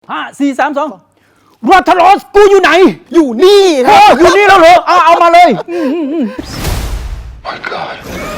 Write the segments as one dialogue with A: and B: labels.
A: รัทลอสกูอยู่ไหนอยู่นี่ครับอยู่นี่แล้วเหรอเอามาเลย
B: My God.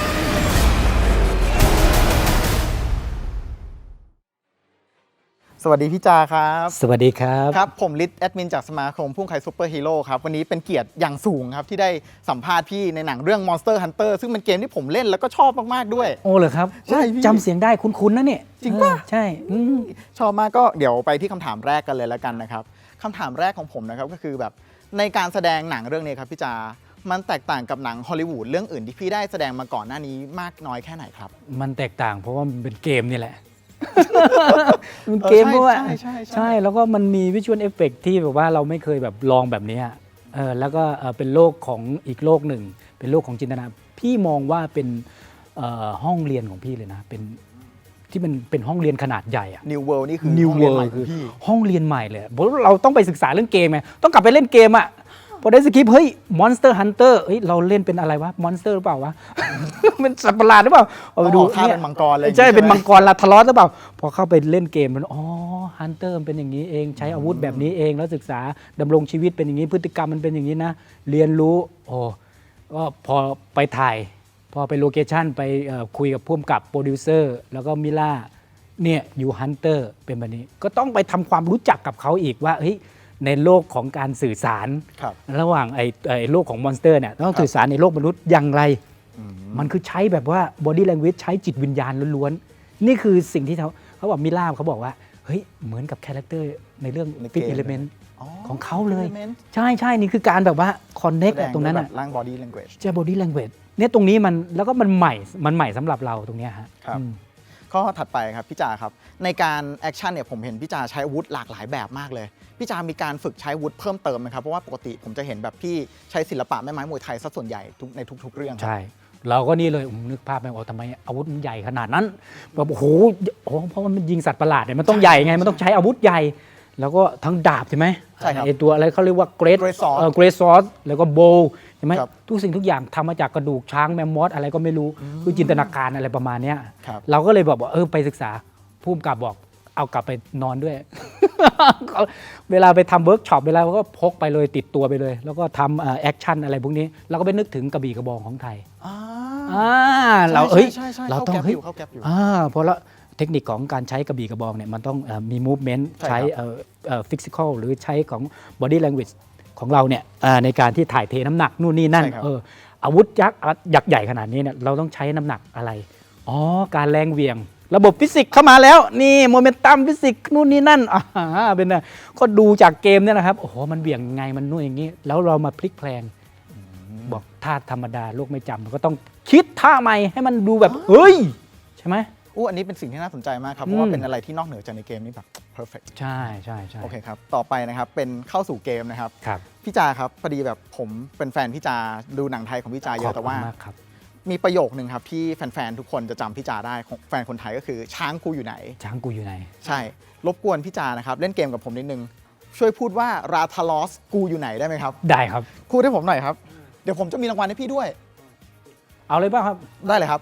C: สวัสดีพี่จาครับ
A: สวัสดีครับ
C: ครับผมฤทธิ์แอดมินจากสมาคมพุ่งไข่ซูเปอร์ฮีโร่ครับวันนี้เป็นเกียรติอย่างสูงครับที่ได้สัมภาษณ์พี่ในหนังเรื่อง Monster Hunter ซึ่งเป็นเกมที่ผมเล่นแล้วก็ชอบมากๆด้วย
A: โอ้เหรอครับ
C: ใช่พี่
A: จำเสียงได้คุ้นๆนะเนี่ย
C: จริงปะ
A: ใช่
C: ชอบมากก็เดี๋ยวไปที่คำถามแรกกันเลยแล้วกันนะครับคำถามแรกของผมนะครับก็คือแบบในการแสดงหนังเรื่องนี้ครับพี่จามันแตกต่างกับหนังฮอลลีวูดเรื่องอื่นที่พี่ได้แสดงมาก่อนหน้านี้มากน้อยแค่ไหนครับ
A: มันแตกต่างเพราะว่ามันเป็นเกมนี่แหละ มันเกมเพราะว่าใช่แล้วก็มันมีวิชวลเอฟเฟกที่แบบว่าเราไม่เคยแบบลองแบบนี้แล้วก็เป็นโลกของอีกโลกหนึ่งเป็นโลกของจินตนาพี่มองว่าเป็นห้องเรียนของพี่เลยนะเป็นที่มันเป็นห้องเรียนขนาดใหญ่อะ
C: New World นี่คือ
A: New
C: ห้องเรียน
A: World
C: ใหม่ข
A: คือ อง
C: พี่
A: ห้องเรียนใหม่เลยเพราะเราต้องไปศึกษาเรื่องเกมไงต้องกลับไปเล่นเกมอ่ะพอได้สคริปต์เฮ้ย Monster Hunter เฮ้ยเราเล่นเป็นอะไรวะ Monster หรือเปล่าวะ เป็นสัตว์ประหลาดหรือเปล่าเอาไปดู
C: ท่าเป็นมังกรเลย
A: ใช่เป็นมังกรลาทลอสหรือเปล่าพอเข้าไปเล่นเกมมันอ๋อ Hunter มันเป็นอย่างนี้เองใช้อาวุธแบบนี้เองแล้วศึกษาดำรงชีวิตเป็นอย่างนี้พฤติกรรมมันเป็นอย่างนี้นะเรียนรู้โอ้ก็พอไปถ่ายพอไปโลเคชั่นไปคุยกับผู้กำกับโปรดิวเซอร์แล้วก็มิล่าเนี่ยอยู่ฮันเตอร์เป็นแบบนี้ก็ต้องไปทำความรู้จักกับเขาอีกว่าเฮ้ยในโลกของการสื่อสาร
C: ครับ
A: ระหว่างไอ้โลกของมอนสเตอร์เนี่ยต้องสื่อสารในโลกมนุษย์อย่างไร มันคือใช้แบบว่า body language ใช้จิตวิญญาณล้วนๆนี่คือสิ่งที่เขาบอกมิล่าเขาบอกว่าเฮ้ยเหมือนกับคาแรคเตอร์ในเรื่อง
C: ในเกม
A: Fifth Element ของเขาเลย
C: Element
A: ใช่นี่คือการแบบว่า connect
C: แสดง
A: ตรงนั้น
C: ด้วย
A: อ่ะ
C: แบบร่าง body language
A: จะ body language เนี่ยตรงนี้มันแล้วก็มันใหม่สำหรับเราตรงเนี้ยฮะ
C: ครับ
A: อืม
C: ข้อถัดไปครับพี่จาครับในการแอคชั่นเนี่ยผมเห็นพี่จาใช้อาวุธหลากหลายแบบมากเลยพี่จามีการฝึกใช้อาวุธเพิ่มเติมไหมครับเพราะว่าปกติผมจะเห็นแบบพี่ใช้ศิลปะแม่ไม้มวยไทยซะส่วนใหญ่ในทุกๆเรื่องครับ
A: ใช่ เราก็นี่เลยนึกภาพไม่ออกทำไมอาวุธมันใหญ่ขนาดนั้นแบบโอ้โหเพราะว่ามันยิงสัตว์ประหลาดเนี่ยมันต้องใหญ่ไงมันต้องใช้อาวุธใหญ่ แล้วก็ทั้งดาบใช่ไหม
C: ใช่ครับ
A: ไอตัวอะไรเขาเรียกว่าเกรด
C: Great Sword
A: เกรดซอสแล้วก็โบใช่ไหม
C: ครับ
A: ทุกสิ่งทุกอย่างทำมาจากกระดูกช้างแมมมอสอะไรก็ไม่รู้คือจินตนาการอะไรประมาณเนี้ย
C: ครับ
A: เราก็เลยบอกว่าไปศึกษาผู้กำกับบอกเอากลับไปนอนด้วย เวลาไปทำเวิร์กช็อปเวลาก็พกไปเลยติดตัวไปเลย แล้วก็ทำแอคชั่นอะไรพวกนี้เราก็ไปนึกถึงกระบี่กระบองของไทย เรา
C: ใช่
A: เราต้อง
C: เข้าแก๊ปอยู่
A: เพราะละเทคนิคของการใช้กระบี่กระบองเนี่ยมันต้องมี movement
C: ใช่
A: ใช้physical หรือใช้ของ body language ของเราเนี่ยในการที่ถ่ายเทน้ำหนักนู่นนี่นั่น
C: ใช่ครับ
A: อาวุธยักษ์ใหญ่ขนาดนี้เนี่ยเราต้องใช้น้ำหนักอะไรการแรงเหวี่ยง ระบบฟิสิกส์เข้ามาแล้วนี่โมเมนตัมฟิสิกส์นู่นนี่นั่นเป็นนะก็ดูจากเกมเนี่ยนะครับโอ้โหมันเหวี่ยงยังไงมันนู่นอย่างนี้แล้วเรามาพลิกแพลงบอกท่าธรรมดาโลกไม่จำเราก็ต้องคิดท่าใหม่ให้มันดูแบบเฮ้ยใช่ไหม
C: อันนี้เป็นสิ่งที่น่าสนใจมากครับเพราะว่าเป็นอะไรที่นอกเหนือจากในเกมนี้แบบ perfect
A: ใช่
C: โอเคครับต่อไปนะครับเป็นเข้าสู่เกมนะครับ
A: ครับ
C: พี่จาครับพอดีแบบผมเป็นแฟนพี่จาดูหนังไทยของพี่จาเยอะแต่ว่า
A: ขบคุณมกครับ
C: มีประโยคนึงครับที่แฟนๆทุกคนจะจำพี่จาได้ของแฟนคนไทยก็คือช้างกูอยู่ไหน
A: ช้างกูอยู่ไหน
C: ใช่รบกวนพี่จานะครับเล่นเกมกับผมนิดนึงช่วยพูดว่าราทาลอสกูอยู่ไหนได้ไหมครับ
A: ได้ครับ
C: พูดให้ผมหน่อยครับเดี๋ยวผมจะมีรางวัลให้พี่ด้วย
A: เอาเลยป่ะครับ
C: ได้เลยครับ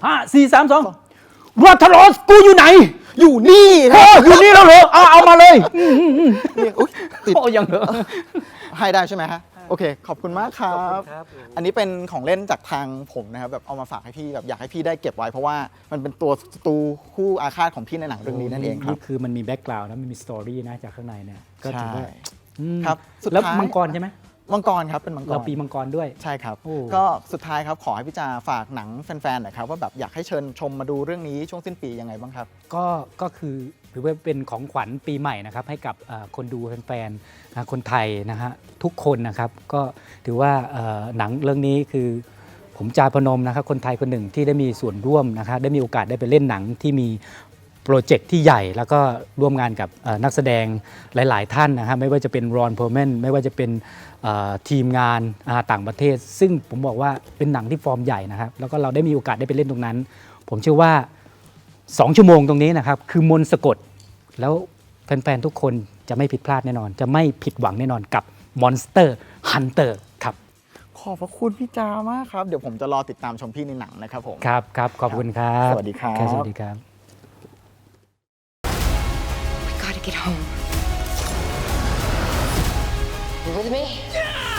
A: 5 4 3 2รัทลอสกูอยู่ไหน
C: อยู่นี่ครับ
A: อยู่นี่แล้วเหรอเอามาเลย
C: นี่อุ๊ยติด
A: ยังเหรอ
C: ให้ได้ใช่ไหมฮะโอเคขอบคุณมากครับ อันนี้เป็นของเล่นจากทางผมนะครับแบบเอามาฝากให้พี่แบบอยากให้พี่ได้เก็บไว้เพราะว่ามันเป็นตัวศัตรูคู่อาฆาตของพี่ในหนังเรื่องนี้นั่นเองครับ
A: นี่คือมันมีแบ็กกราวด์นะมันมีสตอรี่นะจากข้างในเนี่ยก็ถือว่า
C: ใช่ครับสุด
A: แล้ว
C: ท้าย
A: มังกรใช่ไหม
C: มังกรครับเป็นมังกร
A: เราปีมังกรด้วย
C: ใช่ครับ
A: โอ้
C: ก็สุดท้ายครับขอให้พี่จาฝากหนังแฟนๆหน่อยครับว่าแบบอยากให้เชิญชมมาดูเรื่องนี้ช่วงสิ้นปียังไงบ้างครับ
A: ก็คือถือว่าเป็นของขวัญปีใหม่นะครับให้กับคนดูแฟนๆคนไทยนะฮะทุกคนนะครับก็ถือว่าหนังเรื่องนี้คือผมจาพนมนะครับคนไทยคนหนึ่งที่ได้มีส่วนร่วมนะครับได้มีโอกาสได้ไปเล่นหนังที่มีโปรเจกต์ที่ใหญ่แล้วก็ร่วมงานกับนักแสดงหลายๆท่านนะครับไม่ว่าจะเป็นรอนเพอร์แมนไม่ว่าจะเป็นทีมงานต่างประเทศ ซึ่งผมบอกว่าเป็นหนังที่ฟอร์มใหญ่นะครับแล้วก็เราได้มีโอกาสได้ไปเล่นตรงนั้น ผมเชื่อว่า 2 ชั่วโมงตรงนี้นะครับคือมนต์สะกดแล้วแฟนๆทุกคนจะไม่ผิดพลาดแน่นอน จะไม่ผิดหวังแน่นอนกับ Monster Hunter ครับ
C: ขอบพระคุณพี่จามากครับเดี๋ยวผมจะรอติดตามชมพี่ในหนังนะครับผม
A: ครับขอบคุณครับ
C: สวัสดีครับ
A: สวัสดีครับ
D: We gotta get home. You with me?